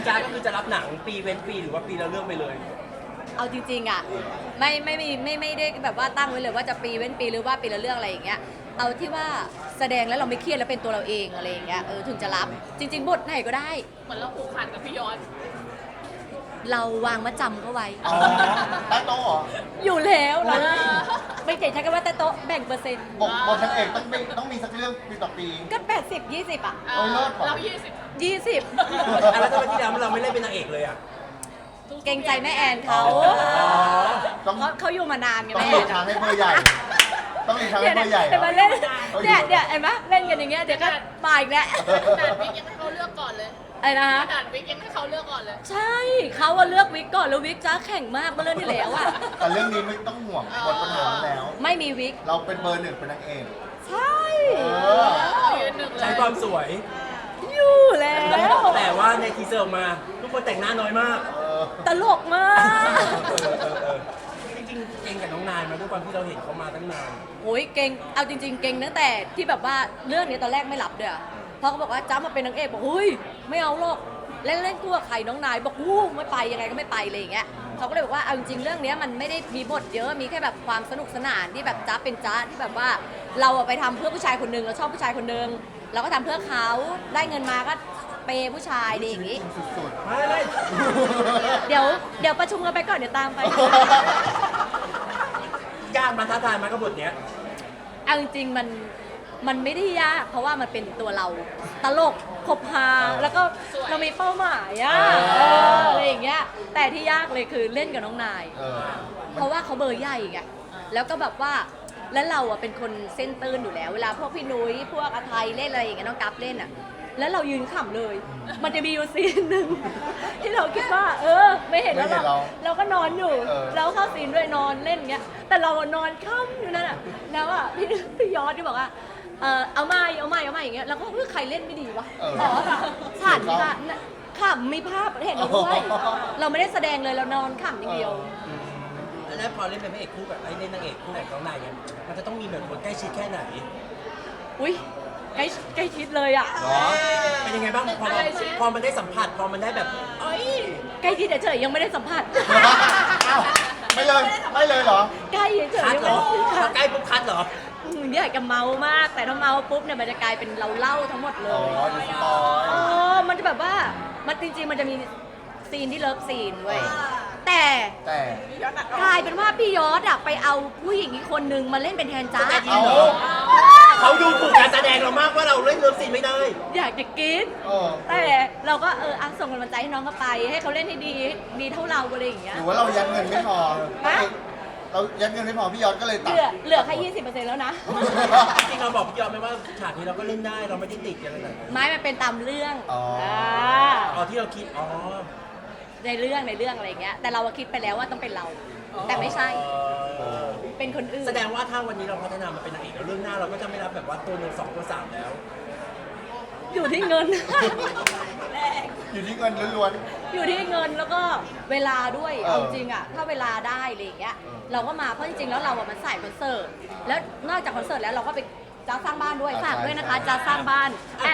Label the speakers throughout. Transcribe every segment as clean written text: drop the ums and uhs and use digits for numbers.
Speaker 1: จ้าก็คือจะรับหนังปีเว้นปีหรือว่าปีละเรื่องไปเลย
Speaker 2: เอาจริงๆอ่ะไม่ได้แบบว่าตั้งไว้เลยว่าจะปีเว้นปีหรือว่าปีละเรื่องอะไรอย่างเงี้ยเอาที่ว่าแสดงแล้วเราไม่เครียดแล้วเป็นตัวเราเองอะไรอย่างเงี้ยถึงจะรับจริงๆบทไหนก็ได้
Speaker 3: เหมือนเราผูกพันกับพี่ยอด
Speaker 2: เราวางมาจำเขาไว้
Speaker 4: อ๋อใต้โต๊ะเหรอ
Speaker 2: อยู่แล้วเราไม่เจ๋งใช้คำว่าแต่โต๊ะแบ่งเปอร์เซ็นต์
Speaker 4: บทนางเอกต้องมีสักเรื่องปีต่อปี
Speaker 2: ก็80-20อ่ะ
Speaker 3: เรา
Speaker 2: 20
Speaker 1: แล้วทำไมที่แล้วเราไม่เล่นเป็นนางเอกเลยอ่ะ
Speaker 2: เกรงใจแม่แอนเขาเขาอยู่มานานไง
Speaker 4: ต้อง
Speaker 2: แม่
Speaker 4: หลีกทางให้เบอร์ใหญ่ต้องหลีกทางให้เบอร์ใหญ่
Speaker 2: เดี๋ยวมาเล่นเนี่ยเห็นไหมเล่นกันอย่างเงี้ยเดี๋ยวก็มาอีกแล้ว
Speaker 3: ด่านวิกยังให้เขาเลือกก่อนเลย
Speaker 2: อะไรนะฮะ
Speaker 3: ด่านวิกยังให้เขาเลือกก่อนเลย
Speaker 2: ใช่เขาเลือกวิกก่อนแล้ววิกจ้าแข่งมากเมื่อเรื่องที่แล้วอะ
Speaker 4: แต่เรื่องนี้ไม่ต้องห่วงหมดปัญหาแล้ว
Speaker 2: ไม่มีวิก
Speaker 4: เราเป็นเบอร์หนึ่งเป็นนางเอก
Speaker 2: ใช่
Speaker 1: ใช้ความสวย
Speaker 2: อยู่แล้ว
Speaker 1: แต่ว่าในทีเซอร์ออกมาทุกคนแต่งหน้าน้อยมาก
Speaker 2: ตลกมาก
Speaker 1: จริงๆเก่งกับน้องนายมาด้วยความที่เราเห็นเขามาตั้งนาน
Speaker 2: โอ้ยเก่งเอาจริงๆเก่งตั้งแต่ที่แบบว่าเรื่องนี้ตอนแรกไม่รับเด้อพอเขาบอกว่าจ้ามาเป็นนางเอกบอกเฮ้ยไม่เอาหรอกเล่นคู่กับใครน้องนายบอกไม่ไปยังไงก็ไม่ไปเลยอย่างเงี้ยเขาก็เลยบอกว่าเอาจริงๆเรื่องนี้มันไม่ได้มีบทเยอะมีแค่แบบความสนุกสนานที่แบบจ้าเป็นจ้าที่แบบว่าเราไปทำเพื่อผู้ชายคนนึงเราชอบผู้ชายคนนึงเราก็ทำเพื่อเขาได้เงินมาก็เปย์ผู้ชายดีอย่างงี้
Speaker 4: สุด
Speaker 1: ไม่
Speaker 2: เดี๋ยวประชุมกันไปก่อนเดี๋ยวตามไป
Speaker 1: ยากมาท้าทายมากับบทเนี้ย
Speaker 2: เอาจริงๆมันไม่ได้ยากเพราะว่ามันเป็นตัวเราตลกคบหาแล้วก็เรามีเป้าหมายอะไรอย่างเงี้ยแต่ที่ยากเลยคือเล่นกับน้องนายเพราะว่าเขาเบอร์ใหญ่ไงแล้วก็แบบว่าแล้วเราเป็นคนเส้นตื้นอยู่แล้วเวลาพวกพี่นุ้ยพวกอาไทยเล่นอะไรอย่างเงี้ยน้องกัฟเล่นแล้วเรายืนขำเลยมันจะมีอยู่ซีนหนึ่งที่เราคิดว่าไม่เห็นแล้วเราก็นอนอยู่เราเข้าซีนด้วยนอนเล่นเงี้ยแต่เรานอนค่ำอยู่นั่นแล้วพี่ยอดที่บอกว่าเอาใหม่อย่างเงี้ยแล้วก็ใครเล่นไม่ดีวะผ่านค่ะขำมีภาพเห็นด้วยเราไม่ได้แสดงเลยเรานอนขำอย่างเดียว
Speaker 1: แล้วพอเล่นเป็นพระเอกคู่กับเล่นนางเอกคู่กับน้องนายเนี่ยมันจะต้องมีแบบคนใกล้ชิดแค่ไหน
Speaker 2: อุ้ยใกล้ชิดเลยอ่ะ
Speaker 1: เป็นยังไงบ้างพอมันได้สัมผัสพอมันได้แบบ
Speaker 2: ใกล้ชิดเฉยๆยังไม่ได้สัมผัส
Speaker 4: ไม่เลยเหรอ
Speaker 2: ใกล้เฉยๆยังไม่ได้
Speaker 1: ใกล้ปุ๊บคัดเหรอ
Speaker 2: เนี่ยจะเมามากแต่ถ้าเมาปุ๊บเนี่ยมันจะกลายเป็นเราเล่าทั้งหมดเลยมันจะแบบว่ามันจริงๆมันจะมีซีนที่เลิฟซีนเว้ยแต่กลายเป็นว่าพี่ยอดไปเอาผู้หญิงอีกคนนึงมาเล่นเป็นแทนจ้า
Speaker 1: เขาดูถูกการแสดงเรามากว่าเราเล่นเลิฟซีนไม่ได้
Speaker 2: อยากจะกินแต่เราก็ส่งกำลังใจให้น้องเขาไปให้เขาเล่นให้ดีเท่าเราอะไรอย่างเงี้ย
Speaker 4: หรือว่าเรายัดเงินไม่พอเรายัดเงินไม่พอพี่ยอดก็เลยตัด
Speaker 2: เหลือแค่ 20% แล้วนะ
Speaker 1: จริงเราบอกพี่ยอดไหมว่าฉากนี้เราก็เล่นได้เราไม่ได้ติดอะไรเลย
Speaker 2: ไม่มันเป็นตามเรื่อง
Speaker 1: ที่เราคิด
Speaker 2: ในเรื่องอะไรเงี้ยแต่เราคิดไปแล้วว่าต้องเป็นเราแต่ไม่ใช่เป็นคนอื่น
Speaker 1: แสดงว่าถ้าวันนี้เราพัฒนามาเป็นนางเอกแล้วเรื่องหน้าเราก็จะไม่รับแบบว่าตัว1 2ตัว3แล้ว
Speaker 2: อยู่ที่เงิน
Speaker 4: อยู่ที่เงินล้วน
Speaker 2: อยู่ที่เงินแล้วก็เวลาด้วยเอาจริงอ่ะถ้าเวลาได้อะไรอย่างเงี้ยเราก็มาเพราะจริงๆแล้วเรามันใส่คอนเสิร์ตแล้วนอกจากคอนเสิร์ตแล้วเราก็ไปจ้าสร้างบ้านด้วยฝากด้วยนะคะจ้าสร้างบ้าน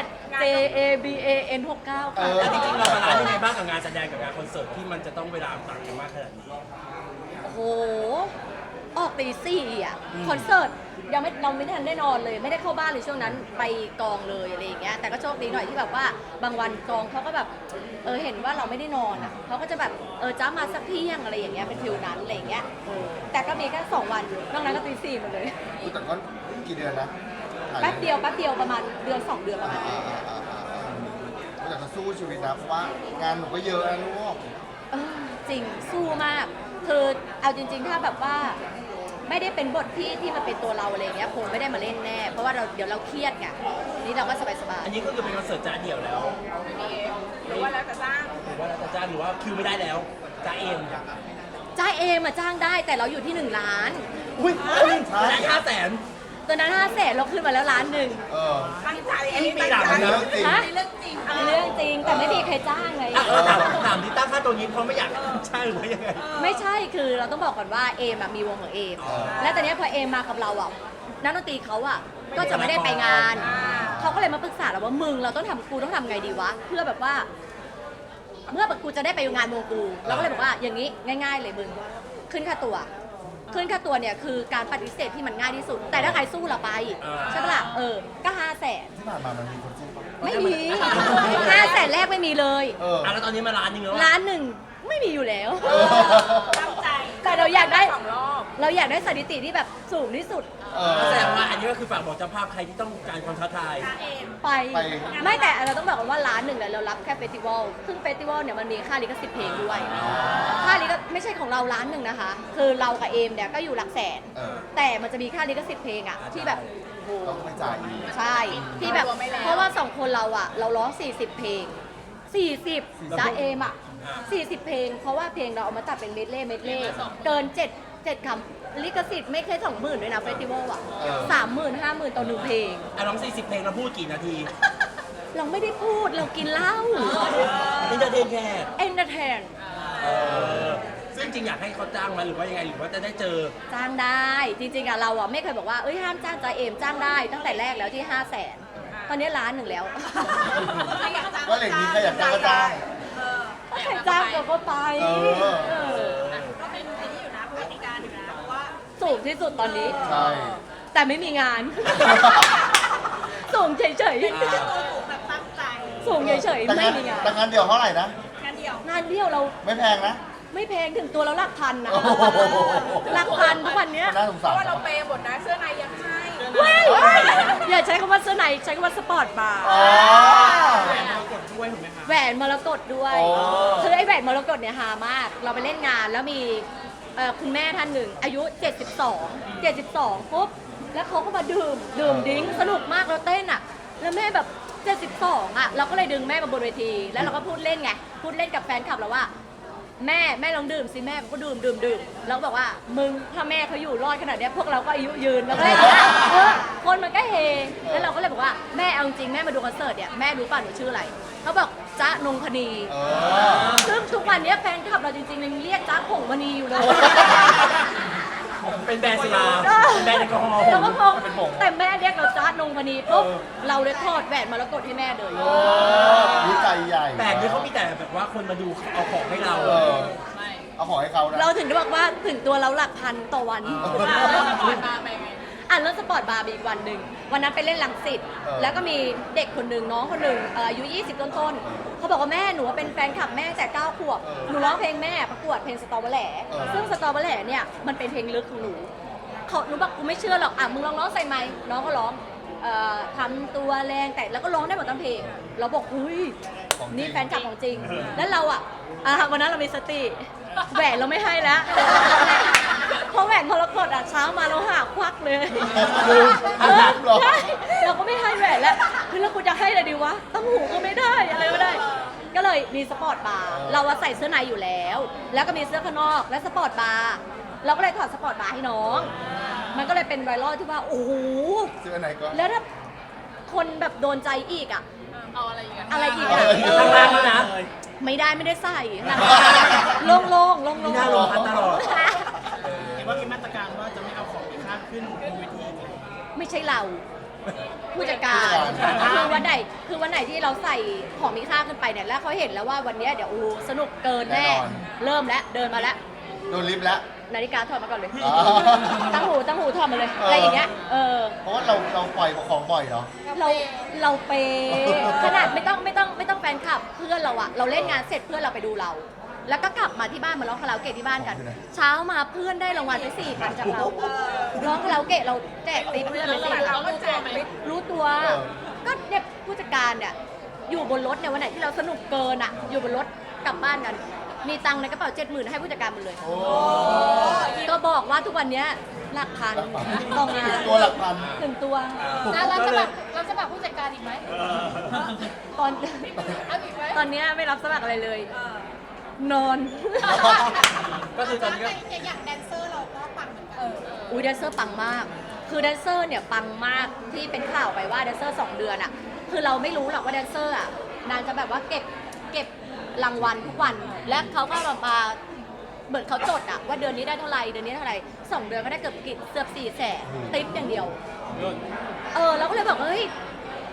Speaker 2: @JABAN69 ค่ะ
Speaker 1: แล้วจริงๆเราบาลานซ์ยังไงบ้างกับงานแสดงกับงานคอนเสิร์ตที่มันจะต้องเวลาต่างกันมากขนาดนี้
Speaker 2: โอ้โหออกตี 4อ่ะคอนเสิร์ตเราไม่ทันได้นอนเลยไม่ได้เข้าบ้านเลยช่วงนั้นไปกองเลยอะไรอย่างเงี้ยแต่ก็โชคดีหน่อยที่แบบว่าบางวันกองเขาก็แบบเห็นว่าเราไม่ได้นอนอ่ะเขาก็จะแบบจ้ามาสักเที่ยงอะไรอย่างเงี้ยเป็นฟิลนั้นอะไรอย่างเงี้ยแต่ก็มีแค่2 วันนอกนั้นก็ตี 4หมดเลย
Speaker 4: แต่ก็กี่เดือนนะ
Speaker 2: แป๊บเดียวประมาณเดือน2 เดือนประมาณนี้
Speaker 4: แต่จะสู้ชีวิตนะเพราะว่างานหนูก็เยอะนะลูก
Speaker 2: จริงสู้มากคือเอาจริงๆถ้าแบบว่าไม่ได้เป็นบทที่มันเป็นตัวเราอะไรเงี้ยคงไม่ได้มาเล่นแน่เพราะว่าเดี๋ยวเราเครียดไงนี่เราก็สบาย
Speaker 1: ๆอันนี้ก็คือเป็นคอนเสิร์ตจ้าเดี่ยวแล้ว
Speaker 3: หรือว่าแล้วแต่จ้าง
Speaker 1: หรือว่าคิวไม่ได้แล้วจ้าเอง
Speaker 2: จ้างได้แต่เราอยู่ที่1 ล้าน
Speaker 1: อุ้ยได้500,000
Speaker 2: ตอนนั้น500,000เราขึ้นมาแล้ว1 ล้าน
Speaker 3: ตั้งใจ
Speaker 1: นี่ปีหลังนะ
Speaker 3: เรื่องจ
Speaker 2: ริงแต่ไม่มีใครจ้างไง
Speaker 1: ถามที่ตั้งค่าตัวนี้เพราะไม่อยากใช่หรือว่ายังไง
Speaker 2: ไม่ใช่คือเราต้องบอกก่อนว่าเอมมีวงของเอมและตอนนี้พอเอมมากับเรานักดนตรีเขาก็จะไม่ได้ไปงานเขาก็เลยมาปรึกษาเราว่ามึงเราต้องทำไงดีวะเพื่อแบบว่าเมื่อกูจะได้ไปงานวงกูเราก็เลยบอกว่าอย่างนี้ง่าย ๆ เลยมึงขึ้นค่าตัวเนี่ยคือการปฏิเสธที่มันง่ายที่สุด แต่ถ้าใครสู้เราไปใช่ปะล่ะก็500,000
Speaker 4: ที่ผ่านมามันมีคนสู้ปะ
Speaker 2: ไม่มี500,000แรกไม่มีเลย
Speaker 1: แล้วตอนนี้มา1 ล้านแล้ว
Speaker 2: ล้านหนึ่งไม่มีอยู่แล้ว
Speaker 3: ตั้งใจ
Speaker 2: แต่เราอยากได้
Speaker 3: 2 รอบ
Speaker 2: เราอยากได้สถิติที่แบบสูงที่สุด
Speaker 1: แสดงว่าอันนี้ก็คือฝากบอกเจ้าภาพใครที่ต้องการความท้าทาย
Speaker 2: ไปไม่แต่เราต้องบอกกันว่า1 ล้านเนี่ยเรารับแค่เฟสติวัลซึ่งเฟสติวัลเนี่ยมันมีค่าลิขสิทธิ์เพลงด้วยค่าลิขไม่ใช่ของเรา1 ล้านนะคะ คือเรากับเอมเนี่ยก็อยู่หลักแสน แต่มันจะมีค่าลิขสิทธิ์เพลงอะที่แบบโอ้โห
Speaker 4: ต้องไปจ่ายอีก
Speaker 2: ใช่ที่แบบเพราะว่า2 คนเราอะเราร้อง40 เพลง 40จ้าเอมอะ40 เพลง เพราะว่าเพลงเราเอามาตัดเป็นเมดเล่เกิน7คำลิขสิทธิ์ไม่เคย20,000ด้วยนะเฟสติวัลอะ30,000 50,000ต่อ1เพลง
Speaker 1: ร้อง40 เพลงเราพูดกี่นาที
Speaker 2: เราไม่ได้พูดเรากินเหล้า
Speaker 1: นี่จะเทนแค่
Speaker 2: เอนเตอร์เทน
Speaker 1: ซึ่งจริงอยากให้เขาจ้างมาหรือว่ายังไงหรือว่าจะได้เจอ
Speaker 2: จ้างได้ จริงๆอะเราอะไม่เคยบอกว่าเอ้ยห้ามจ้างจ้าเอมจ้างได้ตั้งแต่แรกแล้วที่500,000ตอนนี้1 ล้านแล้ว
Speaker 4: ก็เหล็กนี้ใครอยากจ้างก็จ้าง
Speaker 2: ถ้าใครจ้างเราก็ไป
Speaker 3: ก็เป็นที่อยู่นะปฏิการอยู่นะเพราะว่า
Speaker 2: สูงที่สุดตอนนี้
Speaker 4: ใช่
Speaker 2: แต่ไม่มีงาน สูงเฉย
Speaker 3: ตัวสูงแบบตั้งใจ
Speaker 2: ๆสูงเฉยๆไม่มีงาน
Speaker 4: แต่งานเดียวเท่าไหร่นะ
Speaker 3: งานเดียว
Speaker 2: งานเดียวเรา
Speaker 4: ไม่แพงนะ
Speaker 2: ไม่แพงถึงตัวเราหลักพันนะ
Speaker 4: โอ้โห
Speaker 2: หลักพันทุกวันเนี้ย
Speaker 4: น่าสง
Speaker 3: เพ
Speaker 4: สาร
Speaker 3: ราะว่าเราเปย์หมดนะเสื้อในยังให้
Speaker 2: เว้ยอย่าใช้คำว่าเสื้อในใช้คำว่าสปอร์ตบาร์
Speaker 4: อ๋อ
Speaker 2: แหวนมรกตด้วย
Speaker 4: โอ้
Speaker 2: คือไอ้แหวนมรกตเนี่ยฮามาก เราไปเล่นงานแล้วมีคุณแม่ท่านหนึ่งอายุ 72ปุ๊บแล้วเขาก็มาดื่มดิ้งสนุกมากเราเต้นอ่ะ แล้วแม่แบบ72อ่ะเราก็เลยดึงแม่มาบนเวที แล้วเราก็พูดเล่นไงพูดเล่นกับแฟนคลับเราว่า แม่ลองดื่มสิแม่ก็ดื่มแล้วก็บอกว่ามึงถ้าแม่เขาอยู่รอดขนาดเนี้ยพวกเราก็อายุยืนแล้วก็เลยคนมันก็เฮแล้วเราก็เลยบอกว่าแม่เอาจริงแม่มาดูคอนเสิร์ตเนี่ยแม่รู้ป่ะหนูชื่ออะไรเขาบอกจ๊ะนงพนี ซึ่งทุกวันนี้แฟนคลับเราจริงๆยังเรียกจ๊ะผงมณีอยู่เลย
Speaker 1: เป็นแบรนด์สุราเป็นแบรนด์แอลกอฮอล์
Speaker 2: เราก็พงแต่แม่เรียกเราจ๊ะนงพนีปุ๊บเราเลยทอดแหวนมรกตให้แม่เลย
Speaker 4: วิจัยใหญ่
Speaker 1: แต่นี่เขามีแต่แบบว่าคนมาดูเอาของให้เรา
Speaker 4: เอาของให้เขานะ
Speaker 2: เราถึงได้บอกว่าถึงตัวเราหลักพันต่อวัน
Speaker 3: ก่อนมาไปไง
Speaker 2: เรื่องสปอร์ตบาร์มีอีกวันหนึ่งวันนั้นไปเล่นลังสิตแล้วก็มีเด็กคนหนึ่งน้องคนหนึ่งอายุ 20 ต้นๆเขาบอกว่าแม่หนูเป็นแฟนคลับแม่ตั้งแต่9 ขวบหนูร้องเพลงแม่ประกวดเพลงสตอเบอร์แหล่ซึ่งสตอเบอร์แหล่เนี่ยมันเป็นเพลงลึกของหนูหนูบอกกูไม่เชื่อหรอกมึงลองใส่ไมค์น้องก็ร้องทำตัวแรงแต่แล้วก็ร้องได้หมดทั้งเพลงเราบอกอุ้ยนี่แฟนคลับของจริง แล้วเราวันนั้นเรามีสติแหวนเราไม่ให้แล้วเพราะแหวนมรกตเช้ามาเราหาควักเลยใช่เราก็ไม่ให้แหวนแล้วคือแล้วกูจะให้อะไรดีวะตั้งหูก็ไม่ได้อะไรไม่ได้ ก็เลยมีสปอร์ตบาร์เราใส่เสื้อในอยู่แล้ว แล้วก็มีเสื้อข้างนอกและสปอร์ตบาร์เราก็เลยถอดสปอร์ตบาร์ให้น้อง มันก็เลยเป็นไวรัลที่ว่าโอ้โห
Speaker 4: เสื้อไหนก็
Speaker 2: แล้วถ้าคนแบบโดนใจอีก
Speaker 3: เอาอะไรอีกอะ
Speaker 2: อะไรอีก
Speaker 1: ข้างล่างแล้วนะ
Speaker 2: ไม่ได้ใส่โล่งๆ
Speaker 1: มีหน้าลงพัดตลอด
Speaker 5: เห็นว่ามีมาตรการว่าจะไม่เอาของมีค่าขึ้นบนเวที
Speaker 2: ไม่ใช่เรา ผู้จัดการคือวันไหนที่เราใส่ของมีค่าขึ้นไปเนี่ยแล้วเขาเห็นแล้วว่าวันเนี้ยเดี๋ยวสนุกเกินแน่เริ่มแล้วเดินมาแล้ว
Speaker 4: โดนลิฟต์แล้ว
Speaker 2: นาฬิกาถอดมาก่อนเลย
Speaker 4: อ๋อ
Speaker 2: ตั้งหูถอดมาเลยอะไรอย่างเงี้ย
Speaker 4: เพราะว่าเราปล่อยของบ่อยเนาะ
Speaker 2: เราเปย์ขนาดไม่ต้องแฟนคลับเพื่อนเราเราเล่นงานเสร็จเพื่อนเราไปดูเรา แล้วก็กลับมาที่บ้านมาร้องคาราโอเกะที่บ้านกัน เช้ามาเพื่อนได้รางวัลไป4,000จากเราร้องคาราโอเกะเราแจกติ๊บเพื่อนไป4,000
Speaker 3: เราก็แจกไหม
Speaker 2: รู้ตัวก็เนี่ยผู้จัดการเนี่ยอยู่บนรถเนี่ยวันไหนที่เราสนุกเกินอยู่บนรถกลับบ้านกัน มีตังค์ในกระเป๋า 70,000ให้ผู้จัดการหมดเลย ก็บอกว่าทุกวันเนี้ยหลักพันต่องาน
Speaker 4: ตัวหลักพัน
Speaker 2: ถึงตัว
Speaker 3: เราจะแบบผู้จัดการอีกไหม
Speaker 2: ตอน
Speaker 3: เอาอีกไหม
Speaker 2: ตอนเนี้ยไม่รับสมัครอะไรเลย นอน
Speaker 1: ก็คือตอนนี้ก็
Speaker 3: อย่างแดนเซอร์เราก็ปังเหมือนกัน
Speaker 2: อุ้ยแดนเซอร์ปังมาก คือแดนเซอร์เนี่ยปังมากที่เป็นข่าวไปว่าแดนเซอร์2 เดือนคือเราไม่รู้หรอกว่าแดนเซอร์นางจะแบบว่าเก็บรางวัลทุกวัน และเขาก็มาเหมือนเขาจดว่าเดือนนี้ได้เท่าไหร่เดือนนี้เท่าไหร่2 เดือนก็ได้เกือบ400,000ติ๊บอย่างเดียวเราก็เลยบอกเฮ้ย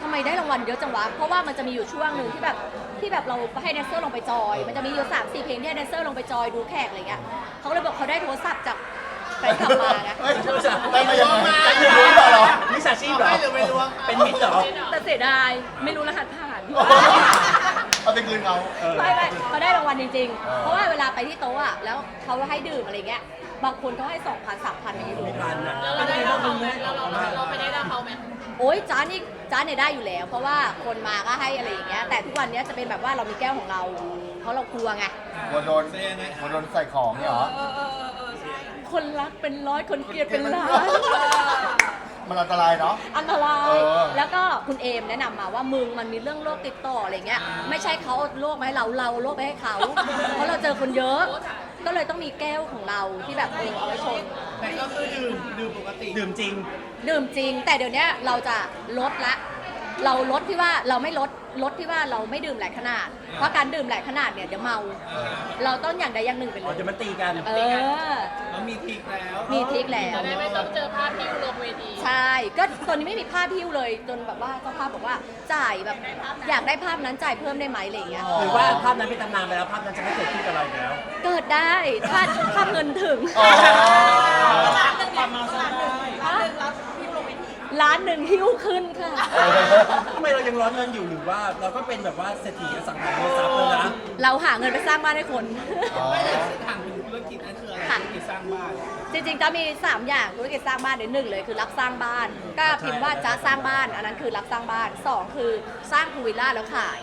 Speaker 2: ทำไมได้รางวัลเยอะจังวะเพราะว่ามันจะมีอยู่ช่วงหนึ่งที่แบบเราให้แดนเซอร์ลงไปจอย มันจะมีอยู่3-4 เพลงที่ให้แดนเซอร์ลงไปจอยดูแขกอะไรเงี้ยเขาเลยบอกเขาได้โทรศัพท์จากแฟนคลับมาไง
Speaker 4: เฮ้ยได้มายังไงคือรู้เหรอ
Speaker 1: มิจฉาชีพเหรอ
Speaker 5: หรือไม่รู้ว่า
Speaker 1: เป็นมิจเหรอ
Speaker 2: แต่เสียดายไม่รู้รหัสผ่าน
Speaker 4: เอาไปคืนเขา
Speaker 2: ไม่เขาได้รางวัลจริงๆ เพราะว่าเวลาไปที่โต๊ะอะแล้วเขาให้ดื่มอะไรเงี้ยบางคนเขาให้ 2,000 3,000อย่างนี้ดู
Speaker 1: มีพันอ่ะ
Speaker 3: แล้วเราได้รับเขาไหมเราไปได้รับเขาไหม
Speaker 2: โอ๊ยจ้าเนี่ยได้อยู่แล้ว เพราะว่าคนมาก็ให้อะไรอย่างเงี้ยแต่ทุกวันเนี้ยจะเป็นแบบว่าเรามีแก้วของเรา เพราะเรากลัวไง
Speaker 4: กลัวโดนใส่ของเนี่ยเหรอ
Speaker 2: คนรักเป็นร้อยคนเกลียดเป็นล้าน
Speaker 4: มันอันตรายเนาะ
Speaker 2: อันตราย
Speaker 4: เออ
Speaker 2: แล้วก็คุณเอมแนะนำมาว่ามึงมันมีเรื่องโรคติดต่ออะไรเงี้ยไม่ใช่เขาเอาโรคมาให้เราเอาโรคไปให้เขาเพราะเราเจอคนเยอะ ก็เลยต้องมีแก้วของเราที่แบบเอาไว้ชน
Speaker 5: แต่ก็คือดื่มปกติ
Speaker 1: ดื่มจริง
Speaker 2: ดื่มจริง แต่เดี๋ยวนี้เราจะลดละ เราลดที่ว่าเราไม่ลดที่ว่าเราไม่ดื่มหลายขนาด เพราะการดื่มหลายขนาดเนี่ยเดี๋ยวเมา เราต้องอย่างใดอย่างหนึ่งไปเล
Speaker 1: อ๋อย เดี๋ยวมันตีกัน
Speaker 2: เออ
Speaker 5: แล้วมีทริกแล้ว
Speaker 2: มีทริคแล้ว
Speaker 3: จะได้ไม่ต้องเจอภาพพิวลงเวที
Speaker 2: ใช่ ก็ตอนนี้ไม่มีภาพพิ้วเลย จนแบบว่าเจ้าภาพบอกว่าจ่ายแบบอยากได้ภาพนั้นจ่ายเพิ่มได้ไหมอะไรอย่างเงี้ย
Speaker 1: หรือว่าภาพนั้นเป็นตำนานไปแล้วภาพนั้นจะไม่เกิดขึ้นกับเราอีกแล้ว
Speaker 2: เกิดได้ถ้าเงินถึง
Speaker 4: อ๋อ
Speaker 5: ความเมาซะได้
Speaker 2: ล้านหนึ่งหิ้วขึ้นค่ะ
Speaker 1: ทำไมเรายังร้อนเงินอยู่หรือว่าเราก็เป็นแบบว่าเศรษฐีอสังหาริมทรัพย์เลยนะ
Speaker 2: เราหาเงินไปสร้างบ้านให้คน
Speaker 4: อ๋อ
Speaker 5: ถามถึงธุรกิจนั่นคืออะไร
Speaker 2: ค่ะ
Speaker 5: ธุรกิจสร้างบ้าน
Speaker 2: จริงๆจะมี 3 อย่างธุรกิจสร้างบ้านหนึ่งเลยคือรับสร้างบ้าน ก็พิมพ์ว่าจะสร้างบ้าน อันนั้นคือรับสร้างบ้าน 2 คือสร้างพูลวิลล่าแล้วขาย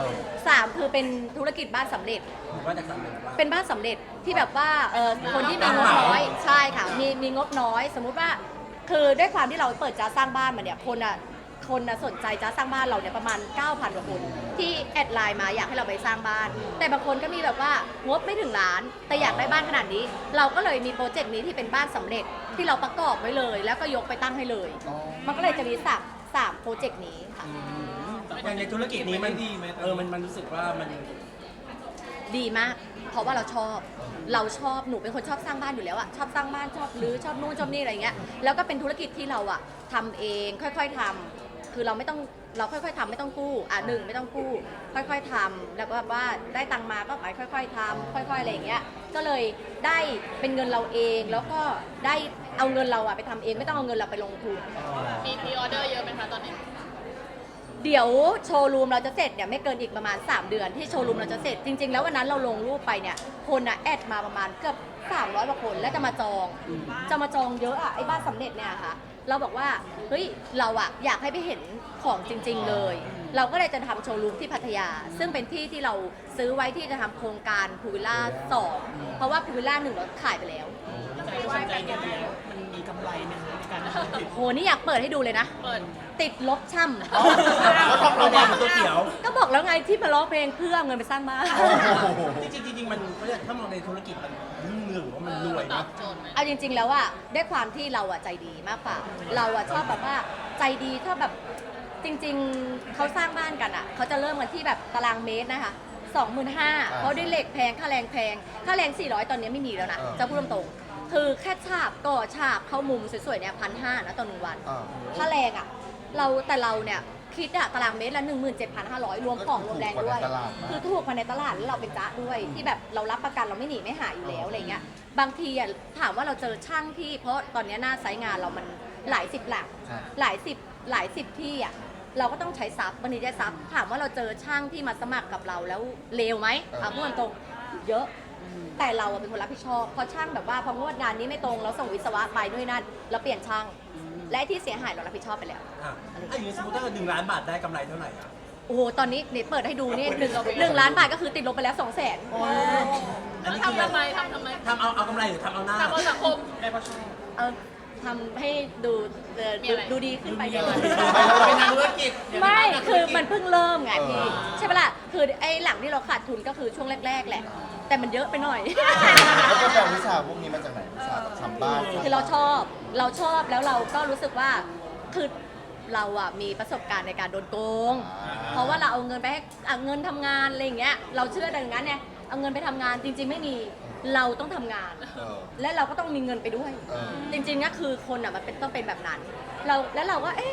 Speaker 2: 3 คือเป็นธุรกิจบ้านสำเร็จ
Speaker 1: ผมว่าจากสำเร็จว่า
Speaker 2: เป็นบ้านสำเร็จที่แบบว่าคนที่มีงบน้อยใช่ค่ะมีงบน้อย สมมุติว่าคือด้วยความที่เราเปิดจ้าสร้างบ้านมาเนี่ยคนสนใจจ้าสร้างบ้านเราเนี่ยประมาณ 9,000 กว่าคนที่แอดไลน์มาอยากให้เราไปสร้างบ้าน แต่บางคนก็มีแบบว่างบไม่ถึงล้านแต่อยากได้บ้านขนาดนี้ เราก็เลยมีโปรเจกต์นี้ที่เป็นบ้านสำเร็จที่เราประกอบไว้เลย แล้วก็ยกไปตั้งให้เลย
Speaker 4: อ๋อ
Speaker 2: มันก็เลยจะมีสามโปรเจกต์นี้ค่ะ
Speaker 1: อย่างในธุรกิจนี้มันดีไหมมันรู้สึกว่ามัน
Speaker 2: ดีมาก เพราะว่าเราชอบหนูเป็นคนชอบสร้างบ้านอยู่แล้วอะชอบสร้างบ้านชอบรื้อชอบนู่นชอบนี่อะไรเงี้ยแล้วก็เป็นธุรกิจที่เราอะทำเองค่อยๆทำคือเราค่อยๆทำไม่ต้องกู้ไม่ต้องกู้ค่อยๆทำแล้วก็ว่าได้ตังค์มาก็ไปค่อยๆทำค่อยๆอะไรอย่างเงี้ยก็เลยได้เป็นเงินเราเองแล้วก็ได้เอาเงินเราอะไปทำเองไม่ต้องเอาเงินเราไปลงทุน
Speaker 3: มีพรีออเดอร์เยอะไหมคะตอนนี้
Speaker 2: เดี๋ยวโชว์รูมเราจะเสร็จเนี่ยไม่เกินอีกประมาณ3 เดือนที่โชว์รูมเราจะเสร็จจริงๆแล้ววันนั้นเราลงรูปไปเนี่ยคนอะแอดมาประมาณเกือบ300 กว่าคนแล้วจะมาจองเยอะอะไอ้บ้านสำเร็จเนี่ยค่ะเราบอกว่าเฮ้ยเราอะอยากให้ไปเห็นของจริง ๆเลย เราก็เลยจะทำโชว์รูมที่พัทยา ซึ่งเป็นที่ที่เราซื้อไว้ที่จะทำโครงการพูวิลล่า2เพราะว่าพูวิลล่า1เราขายไปแล้ว
Speaker 5: ใจว่าใจเย็นแล้วมันมีกำไรไหมคะในการทำธุรกิจ
Speaker 2: โหนี่อยากเปิดให้ดูเลยนะ
Speaker 3: เปิด
Speaker 2: ติดลบช่ำ
Speaker 1: แล้วทำเราเนี่ยตัวเขียว
Speaker 2: ก็บอกแล้วไงที่มาร้องเพลงเพื่อเอาเงินไปสร้างบ้าน
Speaker 4: โอ้โห
Speaker 1: จริงๆมันเขาเรียกถ้ามองในธุรกิจมันรุ่งเรืองหรือว่ามันรวย
Speaker 3: ตอ
Speaker 1: นะ
Speaker 3: บโจทย์ไหม
Speaker 2: เอาจริง ๆ แล้วอะด้วยความที่เราอะใจดีมากกว่าเราอะชอบแบบว่าใจดีถ้าแบบจริง ๆเขาสร้างบ้านกันอะเขาจะเริ่มกันที่แบบตารางเมตรนะคะ 25,000เพราะด้วยเหล็กแพงค่าแรงแพงค่าแรง400ตอนนี้ไม่มีแล้วนะจะพูดตรงๆคือแค่ฉาบก่อฉาบเข้ามุมสวยๆเนี่ย1,500นะต่อ1 วัน
Speaker 4: อ่า
Speaker 2: ค่าแรงอะแต่เราเนี่ยคิดอะตารางเมตรละ 17,500 รวมของรวมแรงด้วย คือถูกกว่าในตลาดแล้วเราเป็นจ๊ะด้วยที่แบบเรารับประกันเราไม่หนีไม่หายอยู่แล้วอะไรเงี้ยบางทีอะถามว่าเราเจอช่างที่เพราะตอนนี้หน้าไซต์งานเรามันหลายสิบหลัก
Speaker 4: ใช่
Speaker 2: หลายสิบที่อะเราก็ต้องใช้ซับวันนี้ได้ซับถามว่าเราเจอช่างที่มาสมัครกับเราแล้วเลวไหมเอาพูดตรงๆเยอะ แต่เราอะเป็นคนรับผิดชอบพอช่างแบบว่าพองวดงานนี้ไม่ตรงเราส่งวิศวะไปด้วยนั่นเราเปลี่ยนช่าง และไอ้ที่เสียหายเรารับผิดชอบไปแล้ว
Speaker 1: อ่ะถ้าอย่างนี้สมมติถ้าเกิด1 ล้านบาทได้กำไรเท่าไหร่อ่ะ
Speaker 2: โอ้โห ตอนนี้เปิดให้ดูนี่1 ล้านบาทก็คือติดลบไปแล้ว 200,000
Speaker 1: อันนี้
Speaker 3: ทำ
Speaker 1: คือ
Speaker 3: ทำไมทำทำไม
Speaker 1: ทำเอากำไรหรือทำเอาหน้า
Speaker 3: ทำเอาสังคม
Speaker 5: ได้เพราะชอบ
Speaker 2: เอาทำให้ดู
Speaker 3: มีอะไร
Speaker 2: ดูดีขึ้นไป
Speaker 1: ดูดี
Speaker 5: เป็นนักธุรกิจ
Speaker 2: ไม่ คือมันเพิ่งเริ่มไงพี่ ใช่ปะล่ะ คือไอ้หลังที่เราขาดทุนก็คือช่วงแรก ๆ แหละ แต่มันเยอะไปหน่อย
Speaker 4: แล้วก็แปลวิชาพวกนี้มาจากไหนวิชาทำบ้าน
Speaker 2: คือเราชอบแล้วเราก็รู้สึกว่าคือเราอะมีประสบการณ์ในการโดนโกง เพราะว่าเราเอาเงินไปให้เงินทำงานอะไรอย่างเงี้ยเราเชื่อดังนั้นเนี่ยเอาเงินไปทำงานจริง ๆ ไม่มีเราต้องทำงาน
Speaker 4: เออ
Speaker 2: และเราก็ต้องมีเงินไปด้วย
Speaker 4: เออ
Speaker 2: จริงๆก็คือคนอะมันต้องเป็นแบบนั้นเราก็เอ๊ะ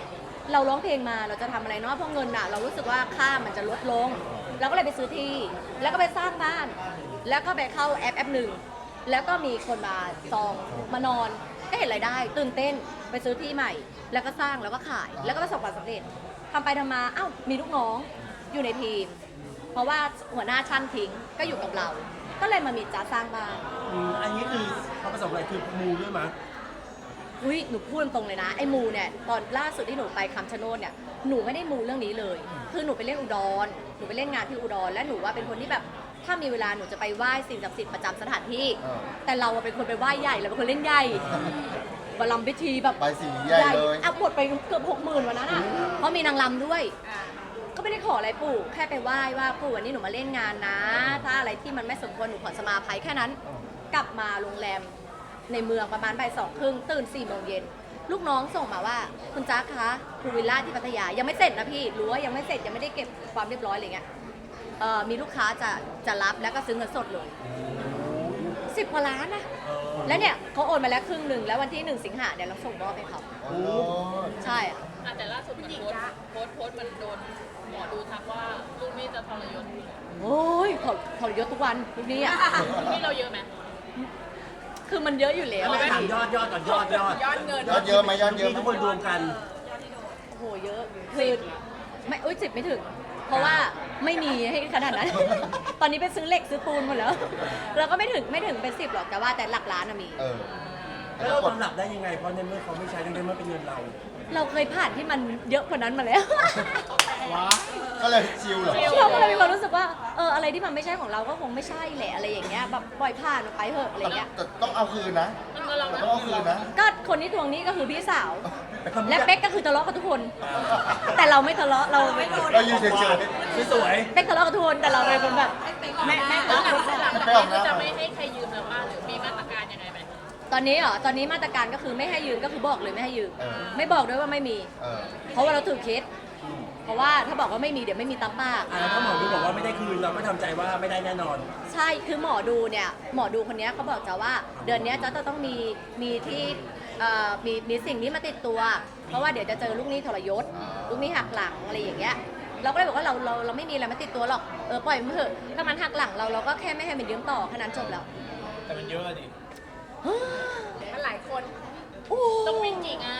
Speaker 2: เราร้องเพลงมาเราจะทำอะไรเนาะเพราะเงินอ่ะเรารู้สึกว่าค่ามันจะลดลงเราก็เลยไปซื้อที่แล้วก็ไปสร้างบ้าน แล้วก็ไปเข้าแอปหนึ่งแล้วก็มีคนมาจองมานอนก็เห็นรายได้ตื่นเต้นไปซื้อที่ใหม่ แล้วก็สร้างแล้วก็ขายแล้วก็ประสบความสำเร็จทำไปทำมามีลูกน้องอยู่ในทีม เพราะว่าหัวหน้าช่างทิ้งก็อยู่กับเรา ก็เลยมามีจ้าสร้างบ้าน
Speaker 1: อันนี้คือเขาประสบอะไรคือมูด้วยมั้ย
Speaker 2: อุ้ยหนูพูดตรงๆเลยนะไอ้มูเนี่ยตอนล่าสุดที่หนูไปคำชะโนดเนี่ยหนูไม่ได้มูเรื่องนี้เลยคือหนูไปเล่นอุดรหนูไปเล่นงานที่อุดรและหนูว่าเป็นคนที่แบบถ้ามีเวลาหนูจะไปไหว้สิ่งศักดิ์สิทธิ์ประจำสถานที่ แต่เราเป็นคนไปไหว้ใหญ่เราเป็นคนเล่นใหญ่บารมพิธีแบบ
Speaker 4: ไปสีใหญ่เลย
Speaker 2: หมดไปเกือบ60,000วันนั้นอ่ะเพราะมีนางรำด้วย ก็ไม่ได้ขออะไรปู่แค่ไปไหว้ว่าปู่วันนี้หนูมาเล่นงานนะ ถ้าอะไรที่มันไม่สมควรหนูขอสมาภัยแค่นั้น กลับมาโรงแรมในเมืองประมาณบ่าย2:30ตื่น4 โมงเย็นลูกน้องส่งมาว่าคุณจ๊ะคะภูวิลล่าที่พัทยายังไม่เสร็จนะพี่รู้ว่ายังไม่เสร็จยังไม่ได้เก็บความเรียบร้อยอะไรเงี้ยมีลูกค้าจะรับแล้วก็ซื้อเงินสดเลย10 กว่าล้านนะแล้วเนี่ยเขาโอนมาแล้วครึ่งหนึ่งแล้ววันที่1 สิงหาเนี่ยเราส่งมอบให้เขา
Speaker 4: โอ้
Speaker 2: ใช่อะ
Speaker 3: แต่ล่าสุดมันโพสต์มันโดนหมอดูทักว่าลูกนี่จะทรยศ
Speaker 2: โอ้ยทรยศทุกวันทุกนี้อ่ะ
Speaker 3: ลูกนี่เราเยอะไหม
Speaker 2: คือมันเยอะอยู่แล้ว
Speaker 1: ไม่ถามยอดก่อนยอด
Speaker 3: ยอดเงิน
Speaker 4: ยอดเยอะไหมยอดเยอะ
Speaker 1: ที่
Speaker 4: ไหม
Speaker 1: ทุกคนรวมกัน
Speaker 2: โอ้โหเยอะคือไม่10 ไม่ถึง เพราะว่าไม่มีให้ขนาดนั้น ตอนนี้ไปซื้อเหล็กซื้อปูนหมดแล้วเราก็ไม่ถึงเป็น10หรอกแต่ว่าแต่หลักล้านอะมี
Speaker 4: เออ
Speaker 1: แล้วเราตำหนับได้ยังไงเพราะในเมื่อเขาไม่ใช้ในเมื่อเป็นเงินเรา
Speaker 2: เราเคยผ่านที่มันเยอะกว่านั้นมาแล้ว
Speaker 4: ว้าก็เลยชิลเหรอ
Speaker 2: เราก็เลยมีความรู้สึกว่าอะไรที่มันไม่ใช่ของเราก็คงไม่ใช่แหละอะไรอย่างเงี้ยแบบปล่อยผ่านมันไปเถอะอะไรเงี้ย
Speaker 4: แต่ต้องเอาคืนนะ
Speaker 3: มันก็เรา
Speaker 4: แต่
Speaker 3: นะ
Speaker 4: ต้องเอาคืนนะ
Speaker 2: ก็คนที่ทวงหนี้ก็คือพี่สาว และเป๊กก็คือทะเลาะกับทุกคน แต่เราไม่ทะเลาะเราไม่โดน
Speaker 4: เราอยู่เฉย
Speaker 1: สวย
Speaker 2: เป๊กทะเลาะกับทุกคนแต่เราเป็นคนแบบแม่
Speaker 3: แล้วหลัง
Speaker 2: ก็
Speaker 3: จากนี้จะไม่ให้ใครยืมแล้วป่ะหรือมีมาตรการยังไงไหม
Speaker 2: ตอนนี้ตอนนี้มาตรการก็คือไม่ให้ยืมก็คือบอกเลยไม่ให้ยืม ไม่บอกด้วยว่าไม่มี
Speaker 4: เออ
Speaker 2: เพราะว่าเราถือเคสเพราะว่าถ้าบอกว่าไม่มีเดี๋ยวไม่มีตามปาก
Speaker 1: แล้วถ้าหมอดูบอกว่าไม่ได้คืนเราก็ทำใจว่าไม่ได้แน่นอน
Speaker 2: ใช่คือหมอดูเนี่ยหมอดูคนนี้เขาบอกจะว่าเดือนนี้จะต้องมีที่มีสิ่งนี้มาติดตัว เพราะว่าเดี๋ยวจะเจอลูกหนี้ทรยศลูกหนี้หักหลังอะไรอย่างเงี้ยเราก็เลยบอกว่าเราไม่มีอะไรมาติดตัวหรอกปล่อยมันเถอะถ้ามันหักหลังเราก็แค่ไม่ให้มันยืมต่อแค่นั้นจบแล้ว
Speaker 5: แต่มันเยอะอะดิ
Speaker 3: มันหลายคน
Speaker 2: โอ้
Speaker 3: ต้องวิ่งกี่งาน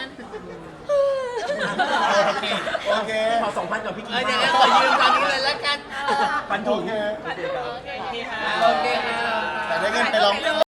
Speaker 4: โอเค โอเค
Speaker 1: ขอ2,000กับพี่กี
Speaker 5: เดี๋ยวขอยืมตอนนี้เลยแล้วกัน
Speaker 1: ปัน
Speaker 4: โอ
Speaker 1: ถุง
Speaker 4: เค
Speaker 3: โอเคค่ะ
Speaker 5: โอเคค่ะ
Speaker 4: แต่ได้เงินไปลอง